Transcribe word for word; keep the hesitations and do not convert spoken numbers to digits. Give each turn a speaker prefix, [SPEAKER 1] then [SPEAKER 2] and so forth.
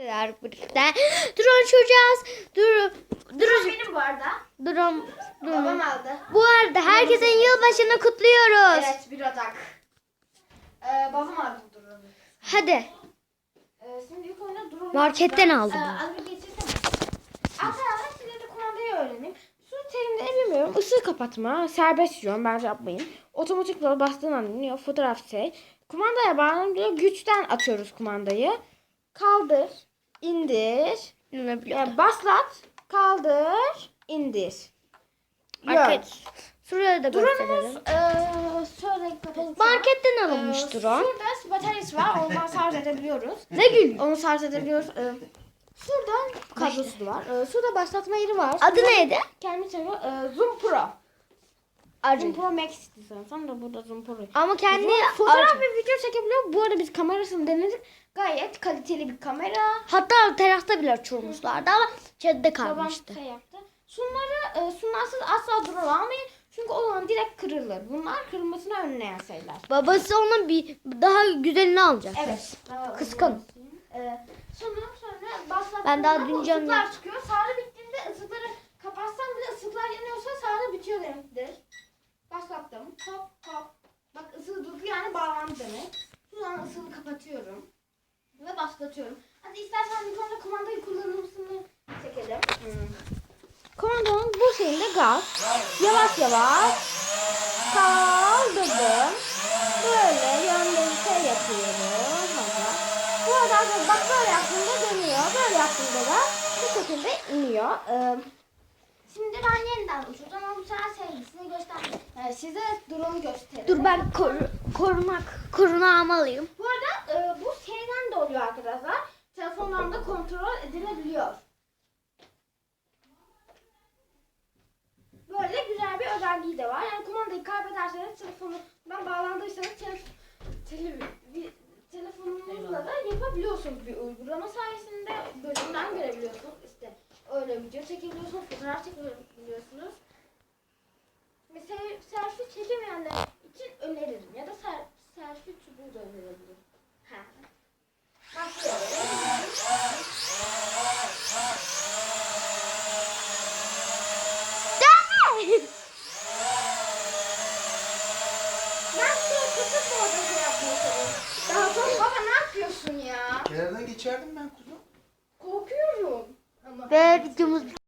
[SPEAKER 1] Birlikte drone uçacağız. Dur, dur,
[SPEAKER 2] Benim bu arada.
[SPEAKER 1] drone,
[SPEAKER 2] Babam
[SPEAKER 1] drone.
[SPEAKER 2] aldı.
[SPEAKER 1] Bu arada herkesin yılbaşını kutluyoruz.
[SPEAKER 2] Evet, bir Ocak. Ee, babam aldı bu drone'u.
[SPEAKER 1] Hadi.
[SPEAKER 2] Ee, şimdi ilk oyuna drone.
[SPEAKER 1] Marketten aldım.
[SPEAKER 2] Ee, az bir geçirsene. Arkadaşlar size de kumandayı öğreneyim. Su terimleri bilmiyorum. Isığı kapatma, serbest yön, bence yapmayın. Otomatik yol bastığın an iniyor. Fotoğraf şey. Kumandaya bağlanıyor. Güçten atıyoruz kumandayı. Kaldır, indir. Yani baslat, kaldır, indir.
[SPEAKER 1] Market. Şuraya da
[SPEAKER 2] Drone'umuz
[SPEAKER 1] gösterelim.
[SPEAKER 2] eee şöyle kapalı.
[SPEAKER 1] Marketten alınmış
[SPEAKER 2] Eee,
[SPEAKER 1] drone.
[SPEAKER 2] Şurada bataryası var. Ondan şarj edebiliyoruz.
[SPEAKER 1] Ne gül?
[SPEAKER 2] Onu şarj edebiliyoruz. Eee şurada kablosu var. Eee şurada başlatma yeri var.
[SPEAKER 1] Adı
[SPEAKER 2] Şurada
[SPEAKER 1] neydi?
[SPEAKER 2] Kendi çeviriyor. Eee Zoom Pro. Zoom
[SPEAKER 1] Arı.
[SPEAKER 2] Pro Max istiyorsan da burada Zoom Pro.
[SPEAKER 1] Ama kendi
[SPEAKER 2] Fotoğraf
[SPEAKER 1] arı.
[SPEAKER 2] ve video çekebiliyor. Bu arada biz kamerasını denedik. Gayet kaliteli bir kamera.
[SPEAKER 1] Hatta terasta bile uçurmuşlardı ama çatıda
[SPEAKER 2] Babam
[SPEAKER 1] kalmıştı.
[SPEAKER 2] şey yaptı. Şunları, e, şunlarsız asla drone almayın. Çünkü o zaman direkt kırılır. Bunlar kırılmasını önleyen şeyler.
[SPEAKER 1] Babası onun bir daha güzelini alacak.
[SPEAKER 2] Evet. Daha
[SPEAKER 1] Kıskanın.
[SPEAKER 2] Ee, sonra sonra başlattığında
[SPEAKER 1] Ben daha dün
[SPEAKER 2] bu
[SPEAKER 1] canlı-
[SPEAKER 2] ısıklar çıkıyor. Sarı bittiğinde ısıkları kapatsam bile ısıklar yanıyorsa sarı bitiyor demektir. Başlattım. Hop hop. Bak ısığı durdu yani bağlandı demek. Şu an ısığı kapatıyorum. Ve başlatıyorum. Hadi istersen bir konuda kumandayı kullanımını çekelim. Hmm. Komandanın bu şeyinde gaz. Yavaş yavaş kaldırdım. Böyle yönleri şey yapıyorum. Hadi. Bu arada arkadaşlar bak böyle yaptığımda dönüyor. Böyle yaptığımda da bu şekilde iniyor. Ee, şimdi ben yeniden uçuracağım ama bu sefer sevgisini göstereyim. Ee, size drone göstereyim.
[SPEAKER 1] Dur ben koru, korumak, korunağımı alayım.
[SPEAKER 2] Bu arada e, bu şeyden de oluyor arkadaşlar. Telefondan da kontrol edilebiliyor. Böyle güzel bir özelliği de var. Yani kumandayı kaybederseniz telefonundan bağlandıysanız telef tele telefonunuzla da yapabiliyorsunuz bir uygulama sayesinde bölümden görebiliyorsunuz. İşte öyle video çekebiliyorsunuz, fotoğraf çekebiliyorsunuz. Mesela selfie çekemeyenler